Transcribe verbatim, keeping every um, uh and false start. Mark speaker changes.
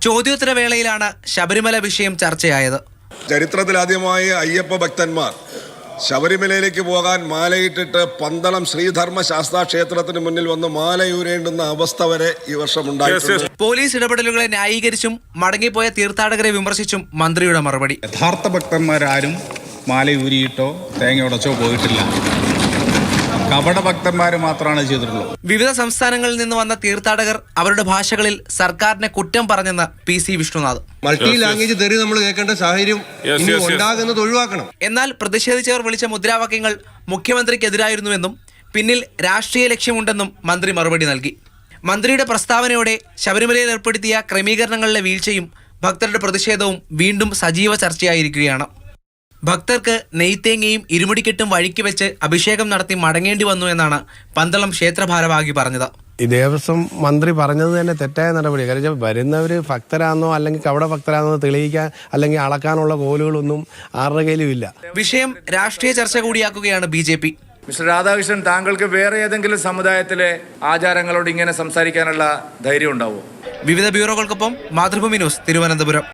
Speaker 1: ചോദ്യോത്തര വേളയിലാണ് ശബരിമല വിഷയം ചർച്ചയായത്.
Speaker 2: ചരിത്രത്തിലാദ്യമായി അയ്യപ്പ ഭക്തന്മാർ ശബരിമലയിലേക്ക് പോകാൻ മാലയിട്ടിട്ട് പന്തളം ശ്രീധർമ്മ ശാസ്താ ക്ഷേത്രത്തിന് മുന്നിൽ വന്ന് മാലയൂരേണ്ടുന്ന അവസ്ഥ വരെ ഈ വർഷം ഉണ്ടായിട്ടുണ്ട്.
Speaker 1: പോലീസ് ഇടപെടലുകളെ ന്യായീകരിച്ചും മടങ്ങിപ്പോയ തീർത്ഥാടകരെ വിമർശിച്ചും മന്ത്രിയുടെ മറുപടി.
Speaker 3: യഥാർത്ഥ ഭക്തന്മാരാരും മാലയൂരിയിട്ടോ തേങ്ങ ഉടച്ചോ പോയിട്ടില്ല. കപട ഭക്തന്മാർ മാത്രമാണ് ചെയ്തിട്ടുള്ളത്.
Speaker 1: വിവിധ സംസ്ഥാനങ്ങളിൽ നിന്ന് വന്ന തീർത്ഥാടകർ അവരുടെ ഭാഷകളിൽ സർക്കാരിനെ കുറ്റം പറഞ്ഞെന്ന് P C Vishnunath.
Speaker 4: Multi language തെറി നമ്മൾ കേൾക്കേണ്ട സാഹചര്യം ഉണ്ടാകുന്നത് ഒഴിവാക്കണം.
Speaker 1: എന്നാൽ പ്രതിഷേധിച്ചവർ വിളിച്ച മുദ്രാവാക്യങ്ങൾ മുഖ്യമന്ത്രിക്കെതിരായിരുന്നുവെന്നും പിന്നിൽ രാഷ്ട്രീയ ലക്ഷ്യമുണ്ടെന്നും മന്ത്രി മറുപടി നൽകി. മന്ത്രിയുടെ പ്രസ്താവനയോടെ ശബരിമലയിൽ ഏർപ്പെടുത്തിയ ക്രമീകരണങ്ങളിലെ വീഴ്ചയും ഭക്തരുടെ പ്രതിഷേധവും വീണ്ടും സജീവ ചർച്ചയായിരിക്കുകയാണ്. ഭക്തർക്ക് നെയ്ത്തേങ്ങയും ഇരുമുടിക്കെട്ടും വഴിക്ക് വെച്ച് അഭിഷേകം നടത്തി മടങ്ങേണ്ടി വന്നു എന്നാണ് പന്തളം ക്ഷേത്ര ഭാരവാഹി പറഞ്ഞത്.
Speaker 5: ഈ ദേവസ്വം മന്ത്രി പറഞ്ഞത് തന്നെ തെറ്റായ നടപടി. കാരണം വരുന്നവർ ഭക്തരാണെന്നോ അല്ലെങ്കിൽ കവട ഭക്തരാണെന്നോ തെളിയിക്കാൻ അല്ലെങ്കിൽ അളക്കാനുള്ള കോലുകളൊന്നും ആരുടെ കയ്യിലും ഇല്ല.
Speaker 1: വിഷയം രാഷ്ട്രീയ ചർച്ച കൂടിയാക്കുകയാണ് B J P.
Speaker 6: Mister Radhakrishnan, താങ്കൾക്ക് വേറെ ഏതെങ്കിലും സമുദായത്തിലെ ആചാരങ്ങളോട് ഇങ്ങനെ സംസാരിക്കാനുള്ള ധൈര്യം ഉണ്ടാവുമോ?
Speaker 1: വിവിധ ബ്യൂറോകൾക്കൊപ്പം മാതൃഭൂമി ന്യൂസ്, തിരുവനന്തപുരം.